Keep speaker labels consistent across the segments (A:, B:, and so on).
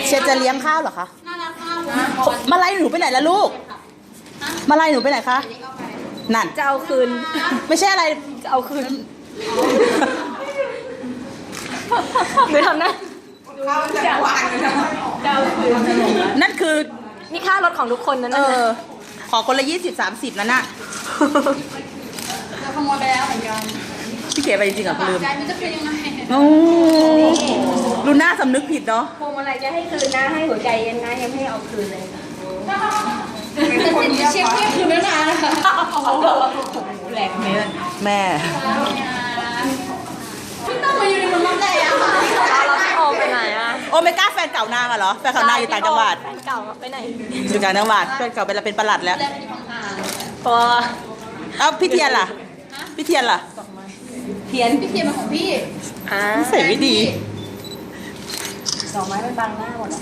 A: เชฟจะเลี้ยงข้าวเหรอคะ
B: น่ารักมาก
A: มาไล่หนูไปไหนล่ะลูก มาไล่หนูไปไหนคะ นั่น
C: จะเอาคืน
A: ไม่ใช่อะไร
C: จะเอาคืนหรือทำนะจะเอาคืน
A: นั่นคือ
C: นี่ค่ารถของทุกคนนะ
A: เอ
C: นั่น
A: อ
C: นะ
A: ขอคนละ20-30นั่นน่ะ
B: เราขโมยไปแล้วเหมือนกัน
A: พี่เก๋ไปจริงๆเหรอลืม
B: ใจมันจะเป็นยังไง
A: โอ้ลูน่าสำนึกผิดเนาะ
C: พวงมาลัยจะให้คืนนะ ให้หัวใจเย็นนะ ยังไม่เอาคืนเลย
B: แต่สิ่งที่เชฟเทียบคือไม่นานนะคะ
C: แหลกเมน
A: แม่
B: พี่ต้องมาอยู่ในเมืองรับแรงอะค่ะ
C: เราพี่โอมไปไหนอ่ะ
A: โอเมก้าแฟนเก่านางอะเหรอ แฟนเก่านางอยู่ต่างจังหวัด
C: แฟนเก่าไปไหน
A: อยู่ต่างจังหวัด แฟนเก่าเป็นประหลัดแล้ว
B: แรงเป็นห่าง
C: พอ
A: เอ้าพี่เทียนล่ะ พี่เทียนล่ะ
C: เทียน
B: พี่เทียมเป็นของพี่
C: อ่า
A: ใส่ไม่ดี
C: ดอกไม้มันบังหน้าหมดอ่ะ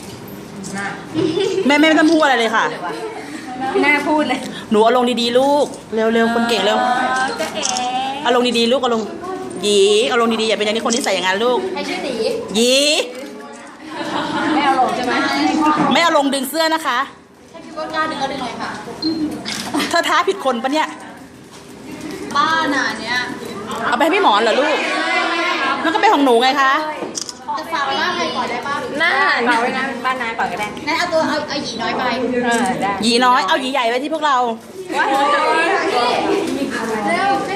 A: แม่ไม่ต้องพูดอะไรเลยค่ะ
C: หน้าพูดเลย
A: หนูเอาลงดีๆลูก เร็วๆคนเก่งเร็ว
C: จะเอ๋
A: เอาลงดีๆลูกเอาลงหยีเอาลงดีๆอย่าเป็นอย่างนี้คนที่ใส่อย่างนั้นลูก
B: ใครชื่อตี
A: หยี
C: ไม่เอาลงใช่ไหม
A: ไม่เอาลงดึงเสื้อนะคะ
B: ถ้าคิดว่ากล้าดึงก็ดึงเลยค่ะ
A: เธอท้าผิดคนปะเนี่ย
B: บ้าน่ะเนี่ย
A: เอาไปให้พี่หมอนเหรอลูก มันก็เป็นของหนูไงคะ
B: จะฝากไว้บ้านอะไรก่อนได้ป่ะ
C: หน้าเปล่าไว้นะบ้านนายเปล่าก็ได้
B: งั้นเอาหยีน้อยไป
C: ได้
A: หยีน้อย เอาหยีใหญ่ไว้ที่พวกเรา
B: เร็วให้